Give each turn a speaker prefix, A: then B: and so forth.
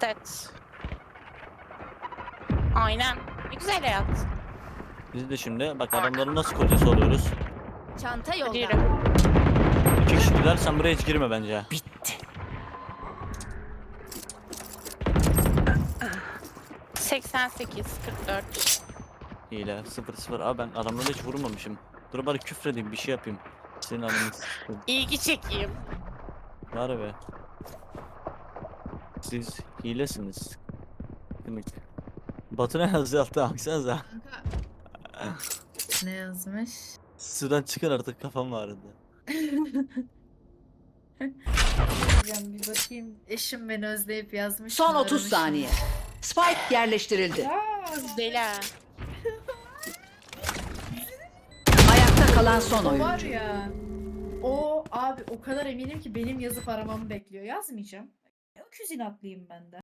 A: Evet. Aynen. Ne güzel hayat.
B: Biz de şimdi bak adamların nasıl kocası oluyoruz.
C: Çanta
A: Hadi
C: yolda.
A: yürü.
B: 2 kişiler, sen buraya hiç girme bence.
C: Bitti.
A: 88, 44.
B: Hile 0-0. Abi ben adamlara hiç vurmamışım. Dur bari küfredeyim, bir şey yapayım. Senin anını s**eyim.
A: İlgi çekeyim.
B: Var be. Siz hilesiniz. Kınık. Batu ne yazdı altta, baksanıza.
D: Kanka. Ne yazmış?
B: Sudan çıkın artık, kafam ağrıdı.
D: Hocam bir bakayım. Eşim beni özleyip yazmış.
E: Son
D: mı,
E: 30
D: aramış mı?
E: saniye. Spike yerleştirildi.
A: Dela.
E: Ayakta kalan son
D: O var
E: oyuncu.
D: ya. O abi o kadar eminim ki benim yazıp aramamı bekliyor. Yazmayacağım. Öküz inatlıyım ben de.